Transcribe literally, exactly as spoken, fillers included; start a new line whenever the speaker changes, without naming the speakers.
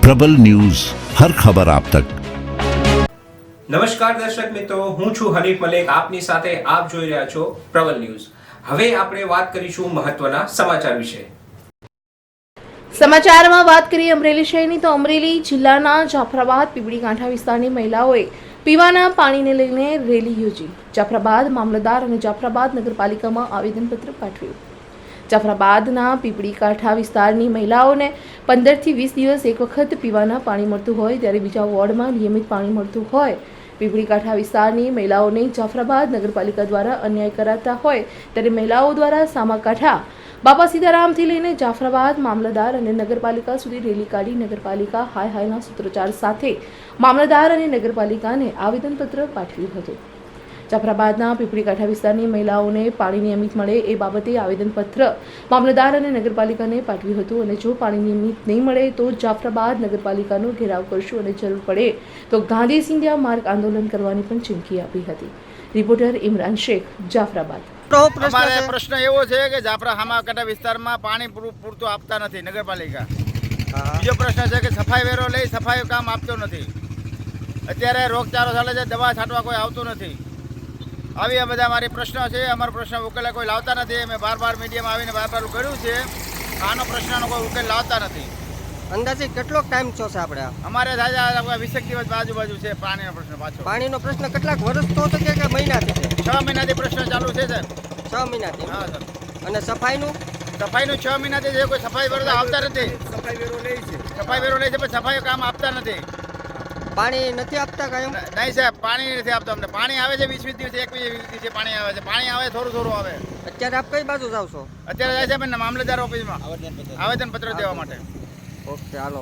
પ્રબલ news હર ખબર આપ તક।
નમસ્કાર દર્શક મિત્રો, હું છું હનીફ મલેક, આપની સાથે આપ જોઈ રહ્યા છો પ્રબલ ન્યૂઝ। હવે આપણે વાત કરીશું મહત્વના સમાચાર વિશે।
સમાચારમાં વાત કરીએ અમરેલી શહેરની, તો અમરેલી જિલ્લાના જાફરાબાદ પીપળી કાંઠા વિસ્તારની મહિલાઓએ પીવાના પાણીને લઈને રેલી યોજી જાફરાબાદ મામલતદાર અને જાફરાબાદ નગરપાલિકામાં આવેદનપત્ર પાઠવ્યું। જાફરાબાદના પીપળી કાંઠા વિસ્તારની મહિલાઓને પંદરથી વીસ દિવસ એક વખત પીવાના પાણી મળતું હોય, ત્યારે બીજા વોર્ડમાં નિયમિત પાણી મળતું હોય। પીપળી કાંઠા વિસ્તારની મહિલાઓને જાફરાબાદ નગરપાલિકા દ્વારા અન્યાય કરાતા હોય, ત્યારે મહિલાઓ દ્વારા સામાકાંઠા બાપા સીતારામથી લઈને જાફરાબાદ મામલતદાર અને નગરપાલિકા સુધી રેલી કાઢી નગરપાલિકા હાય હાયના સૂત્રોચ્ચાર સાથે મામલતદાર અને નગરપાલિકાને આવેદનપત્ર પાઠવ્યું હતું। જાફરાબાદના પીપળી કાંઠા વિસ્તારની મહિલાઓને પાણી નિયમિત મળે એ બાબતે આવેદનપત્ર મામલતદાર અને નગરપાલિકાને પાઠવ્યું હતું અને જો પાણી નિયમિત નહીં મળે તો જાફરાબાદ નગરપાલિકાનો ઘેરાવ કરશું અને જરૂર પડે તો ગાંધી સિંધિયા માર્ગ આંદોલન કરવાની પણ ચીમકી આપી હતી। રિપોર્ટર ઇમરાન શેખ, જાફરાબાદ।
અમારે પ્રશ્ન એવો છે કે જાફરા હામાકાંઠા વિસ્તારમાં પાણી પૂરતું આપતા નથી નગરપાલિકા। બીજો પ્રશ્ન છે કે સફાઈ વેરો લઈ સફાઈ કામ આપતો નથી। અત્યારે રોગચાળો ચાલે છે, દવા છાંટવા કોઈ આવતું નથી। આવી આ બધા મારી પ્રશ્નો છે, અમારો પ્રશ્ન ઉકેલ કોઈ લાવતા નથી। અમે બાર બાર મીડિયામાં આવીને બાર બાર કર્યું છે, આનો પ્રશ્નનો કોઈ ઉકેલ લાવતા નથી।
અંદાજે કેટલો ટાઈમ છો છે આપણે?
અમારે થાય વીસેક દિવસ આજુબાજુ છે પાણીનો પ્રશ્ન પાછો।
પાણીનો પ્રશ્ન કેટલાક વર્ષ તો છે કે મહિનાથી છે?
છ મહિનાથી પ્રશ્ન ચાલુ છે સર।
છ મહિનાથી?
હા સર।
અને સફાઈનું?
સફાઈનું છ મહિનાથી છે, કોઈ સફાઈ વેરો આવતા નથી। સફાઈ વેરો લે છે સફાઈ વેરો લે છે પણ સફાઈ કામ આપતા નથી।
પાણી નથી આપતા કાયમ?
નહીં સાહેબ, પાણી નથી આપતા અમને। પાણી આવે છે વીસ વીસ દિવસે, એક વીસ વીસ દિવસે પાણી આવે છે। પાણી આવે થોડું થોડું આવે।
અત્યારે આપ કઈ બાજુ જાવ છો?
અત્યારે જાય છે મામલતદાર ઓફિસમાં આવેદન પત્ર દેવા માટે।
ઓકે, હાલો।